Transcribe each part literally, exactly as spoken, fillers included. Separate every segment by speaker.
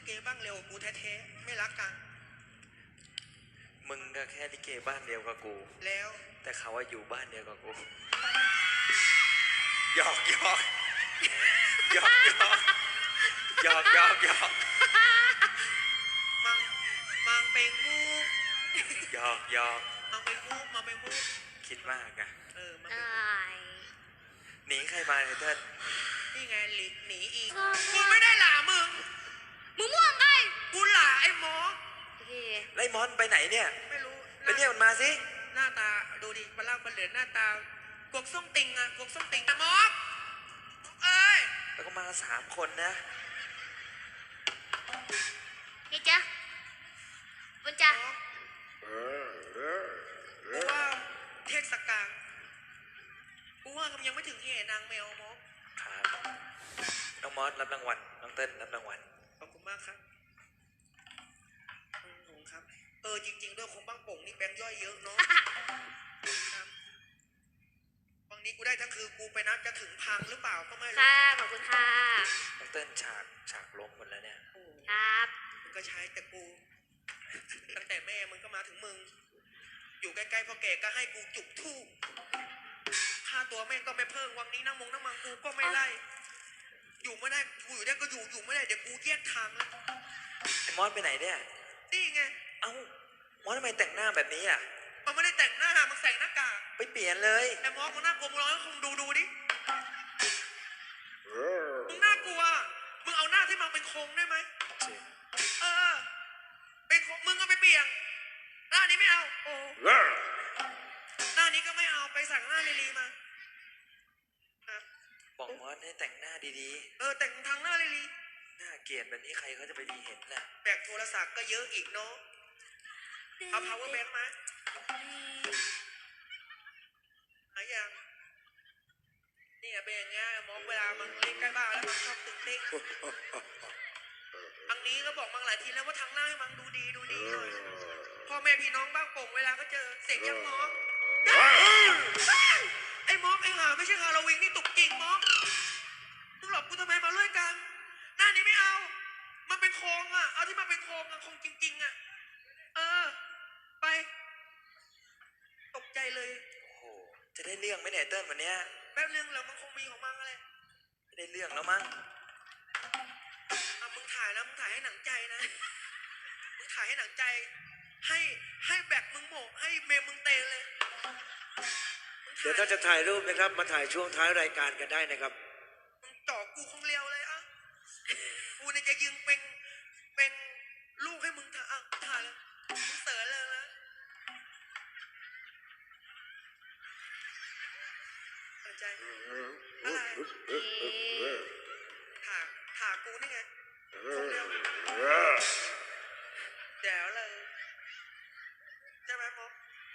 Speaker 1: เกบ้างเร็วกูแท้ๆไม่รักกัน
Speaker 2: มึงก็แค่ลิเกบ้านเดียวกับกู
Speaker 1: แล้ว
Speaker 2: แต่เขาว่าอยู่บ้านเดียวกับกูหยอกหยอกหยอกหยอกหยอกหยอกหยอก
Speaker 1: มังมังเป็นมู
Speaker 2: หยอกหยอก
Speaker 1: มังเป็นมูมังเป็นมู
Speaker 2: คิดมากอะ
Speaker 1: เออมัง
Speaker 2: หนีใครมาเนี่ยเติ้ล
Speaker 1: นี่ไงหลีหนีอีกกูไม่ได้หล่ามึง
Speaker 3: มึงม่วงไง
Speaker 1: กูหล่าไอ้หมอ
Speaker 2: ไล่มอนไปไหนเนี่ย
Speaker 1: ไม่รู้
Speaker 2: ไปเรียกมันมาสิ
Speaker 1: หน้าตาดูดิมาเล่ามาเหลือหน้าตากวกส้มติงอะกวกส้มติงหมอเอ้ย
Speaker 2: แล้วก็มาสามคนนะ
Speaker 3: นี่จ้ะบุญจ้ะ
Speaker 1: กูว่าเทศกาลกูว่ามันยังไม่ถึงเหตุนางแมวมอส
Speaker 2: ครับน้องมอสรับรางวัลน้องเติ้ลรับรางวัล
Speaker 1: ขอบคุณมากครับครับเออจริงๆด้วยคงบ้างโป่งนี่แบงค์ย่อยเยอะเนาะบางนี้กูได้ทั้งคือกูไปนับจะถึงพังหรือเปล่าก็ไม่รู้
Speaker 3: ค่ะขอบคุณค่ะ
Speaker 2: น้องเติ้ลฉากฉากล้มหมดแล้วเนี่ย
Speaker 3: ครับ
Speaker 1: มึงก็ใช้แต่กูตั้งแต่แม่มึงก็มาถึงมึงอยู่ใกล้ๆพ่อแก่ก็ให้กูจุกทูบค่าตัวแม่งก็ไม่เพิ่มวันนี้นั่งมงนั่งมังกูก็ไม่ไล่อยู่ไม่ได้กูอยู่ได้ก็อยู่อยู่ไม่ได้เดี๋ยวกูแยกทางแล้ว
Speaker 2: ไอ้มอสไปไหนเนี่ย
Speaker 1: นี่ไง
Speaker 2: เอ้ามอสทำไมแต่งหน้าแบบนี้อ่ะ
Speaker 1: มันไม่ได้แต่งหน้ามันใส่หน้ากาก
Speaker 2: ไปเปลี่ยนเลย
Speaker 1: ไอ้มอสมึงน่ากลัวมึงลองให้คงดูดูดิมึงน่ากลัวมึงเอาหน้าที่มันเป็นโครงได้ไหมเออเป็นโครงมึงก็ไปเปลี่ยนหน้านี้ไม่เอาโอ้หน้านี้ก็ไม่เอาไปสั่งหน้าลีลีมา
Speaker 2: บอกมอสให้แต่งหน้าดี
Speaker 1: ๆเออแต่งทางหน้าลีลี
Speaker 2: หน้าเกลียดแบบนี้ใครเขาจะไปดีเห็นล่ะ
Speaker 1: แบกโทรศัพท์ก็เยอะอีกเนาะเอา power bank มาหายังนี่เป็นอย่างเงี้ยมองเวลามันเล่นใกล้บ้านแล้วมันชอบตึงเต้งอันนี้ก็บอกมังหลายทีแล้วว่าทางหน้าให้มังดูดีดูดีหน่อยพ่อแม่พี่น้องบ้างโป่งเวลาก็เจอเสียงยังมองไอ้มองไอ้หาไม่ใช่ฮาโลวีนนี่ตุกจริงมองมึงหลอกกูทำไมมาเลื่อยกันหน้านี้ไม่เอามันเป็นโครงอ่ะเอาที่มันเป็นโครงอ่ะโครงจริงๆอ่ะเออไปตกใจเลย
Speaker 2: โอ้โหจะได้เรื่องไหมเนี่ยเติ้ลวันเนี้ย
Speaker 1: แป๊บนึงแล้วมันคงมีของมังอะไร
Speaker 2: ไม่ได้เรื่องแล้วมั้ง
Speaker 1: อ่ะมึงถ่ายนะมึงถ่ายให้หนังใจนะมึงถ่ายให้หนังใจให้ให้แบกมึงโหมกให้เมมมึงเตะเลย
Speaker 4: เดี๋ยวถ้าจะถ่ายรูปนะครับมาถ่ายช่วงท้ายรายการกันได้นะครับ
Speaker 1: มึงจ่อกูคงเลี้ยวเลยอ่ะกูเนี่ยจะยิงเป็นเป็นลูกให้มึงถ่ายอ่ะถ่ายเลยมึงเสือเลยนะใจอะไรถ่าถ่ากูนี่ไงคงเลี้ยวเดี๋ยวเลยใช่ไหมมอ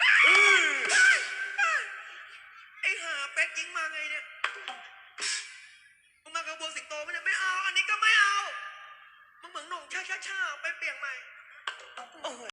Speaker 1: ไอ้ห่าเป็ดยิงมาไงเนี่ยมึงมากระบวนสิงโตไม่ได้ไม่เอาอันนี้ก็ไม่เอามึงเหมือนหนุ่มช่าช่าช่าไปเปลี่ยนใหม่
Speaker 2: โอ้